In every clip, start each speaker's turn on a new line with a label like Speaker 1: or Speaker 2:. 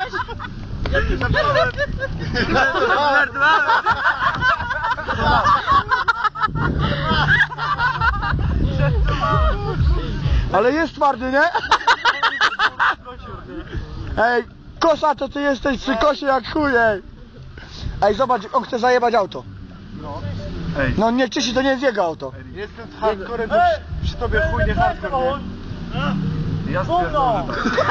Speaker 1: Ja ci zabrałem.
Speaker 2: Ale jest twardy, nie? Ej, kosa to ty jesteś przy kosie jak chuj, ej. Ej, zobacz, on chce zajebać auto. No nie czyści, to nie jest jego auto.
Speaker 1: Jestem hardcorem, to przy tobie chuj nie hardcore, nie?
Speaker 3: Ja stwierdzam,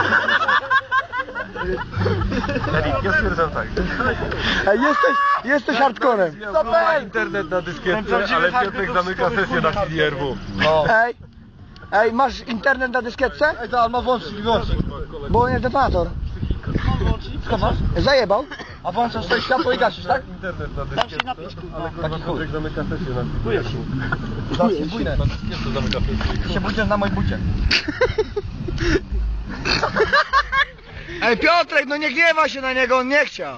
Speaker 3: ja stwierdzam tak.
Speaker 2: Ej, jesteś hardcorem.
Speaker 3: Ma internet na dyskietce, ale Piotrek zamyka sesję na CDRW.
Speaker 2: Ej, masz internet na dyskietce?
Speaker 1: Ej, to on ma włącznik, wyłącznik.
Speaker 2: Bo on jest detonator.
Speaker 1: Co masz?
Speaker 2: Zajebał. A włączasz to światło i gasisz, tak?
Speaker 3: Internet na dyskietce, ale kurwa Piotrek zamyka sesję na CDRW.
Speaker 1: Bujesz się.
Speaker 2: Bujnę.
Speaker 3: Na dyskietce zamyka sesję.
Speaker 2: Się budzisz na moim bucie. Ej, Piotrek, no nie gniewa się na niego, on nie chciał.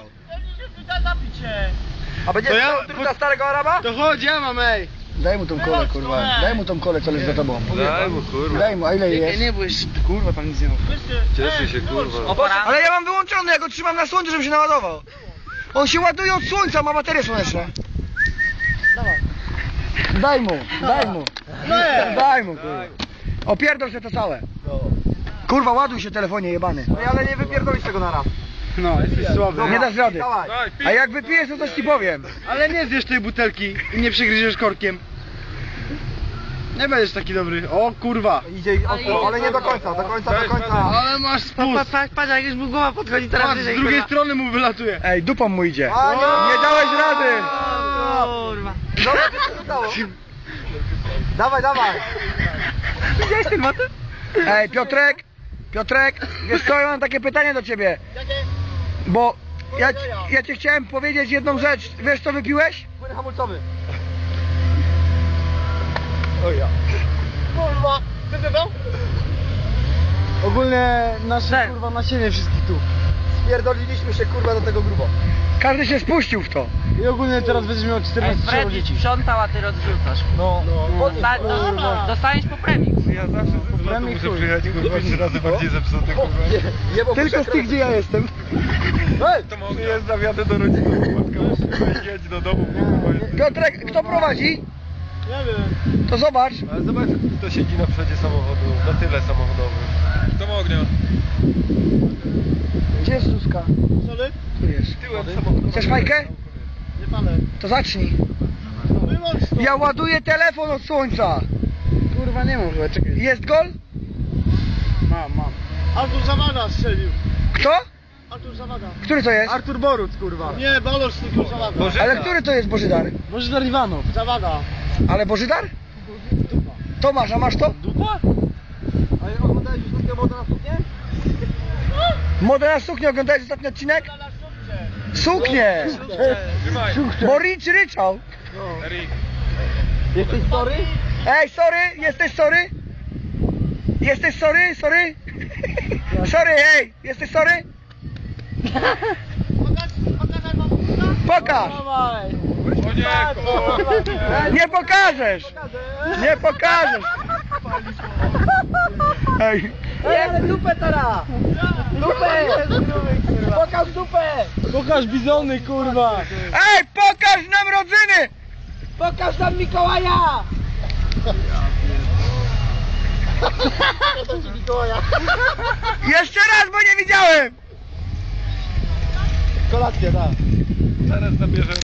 Speaker 2: A będzie truda starego Araba?
Speaker 1: To chodź, ja mam, ej.
Speaker 2: Daj mu tą kolę, kurwa. Daj mu tą kolę, co leży za tobą.
Speaker 3: Daj mu kurwa.
Speaker 2: Daj mu, a ile jest?
Speaker 1: Nie, bo jeszcze, kurwa, pan nic nie mówi.
Speaker 3: Cieszy się kurwa.
Speaker 2: Ale ja mam wyłączony, ja go trzymam na słońcu, żeby się naładował. On się ładuje od słońca, ma baterie słoneczne. Daj mu, daj mu, kurwa. Opierdol się to całe. Kurwa, ładuj się telefonie jebany.
Speaker 1: Ale nie wypierdolisz tego na raz. No, jesteś słaby.
Speaker 2: Nie dasz rady. A jak wypijesz, to coś ci powiem.
Speaker 1: Ale nie zjesz tej butelki i nie przygryziesz korkiem. Nie będziesz taki dobry. O kurwa.
Speaker 2: Idzie, ale nie do końca, do końca.
Speaker 1: Ale masz spust.
Speaker 4: Patrz, jak już mu głowa podchodzi teraz
Speaker 1: Patrz, z drugiej strony mu wylatuje.
Speaker 2: Ej, dupą mu idzie. Nie dałeś rady.
Speaker 4: Kurwa.
Speaker 2: Dawaj.
Speaker 4: Widziałeś ten motyw?
Speaker 2: Ej, Piotrek, wiesz co, ja mam takie pytanie do ciebie. Bo ja ci chciałem powiedzieć jedną rzecz. Wiesz co wypiłeś?
Speaker 1: Płyn hamulcowy.
Speaker 2: O ja.
Speaker 1: Kurwa, ty dodał? Ogólnie nasze kurwa nasienie wszystkich tu.
Speaker 2: Spierdoliliśmy się kurwa do tego grubo. Każdy się spuścił w to.
Speaker 1: I ogólnie teraz będziesz miał 14
Speaker 4: Freddy
Speaker 1: dzieci.
Speaker 4: sprzątał, a ty rozrzucasz. Dostaniesz po premii.
Speaker 3: Ja zawsze ze zlotu muszę przyjechać kurwa 3 razy bardziej zepsuty kurwa.
Speaker 2: Tylko z tych, gdzie ja jestem.
Speaker 3: Przyjeżdżam, jadę do rodziców, spotkam się, jedź do domu.
Speaker 2: Piotrek, kto prowadzi?
Speaker 1: Nie wiem.
Speaker 2: To zobacz.
Speaker 3: Ale zobacz, kto siedzi na przodzie samochodu, na tyle samochodowym. Kto ma ognia?
Speaker 2: Gdzie jest Zuzka?
Speaker 1: Solid?
Speaker 2: Tu jest.
Speaker 3: Tyłem samochodu.
Speaker 2: Chcesz fajkę?
Speaker 1: Nie palę.
Speaker 2: To zacznij.
Speaker 1: Wyłącz to.
Speaker 2: Ja ładuję telefon od słońca.
Speaker 1: Kurwa nie mam chyba, czekaj.
Speaker 2: Jest gol?
Speaker 1: Mam. Artur Zawada strzelił.
Speaker 2: Kto?
Speaker 1: Artur Zawada.
Speaker 2: Który to jest?
Speaker 1: Artur Boruc, kurwa. Nie, Balosz tylko Zawada.
Speaker 2: Ale który to jest Bożydar?
Speaker 1: Bożydar Iwanow. Zawada.
Speaker 2: Ale Bożydar? Tomasz, a masz to?
Speaker 1: Dupa? A oglądałeś już takie modę na suknię?
Speaker 2: Modę na suknię, oglądałeś ostatni odcinek? Suknię!
Speaker 3: Trzymaj.
Speaker 2: Bo Rich ryczał.
Speaker 3: Erik.
Speaker 1: Jesteś sorry?
Speaker 2: Ej, sorry, jesteś sorry? Jesteś sorry? Sorry? Sorry, hej, jesteś sorry? Pokaż!
Speaker 1: Dawaj.
Speaker 3: O nie, kurwa.
Speaker 2: Nie pokażesz! Nie pokażesz! Ej,
Speaker 4: Ej, ale dupę teraz! Dupę!
Speaker 2: pokaż dupę!
Speaker 1: Pokaż bizony, kurwa.
Speaker 2: Ej, pokaż nam rodzyny!
Speaker 4: Pokaż nam Mikołaja!
Speaker 2: Jeszcze raz, bo nie widziałem!
Speaker 1: Kolację, tak.
Speaker 3: Zaraz nabierze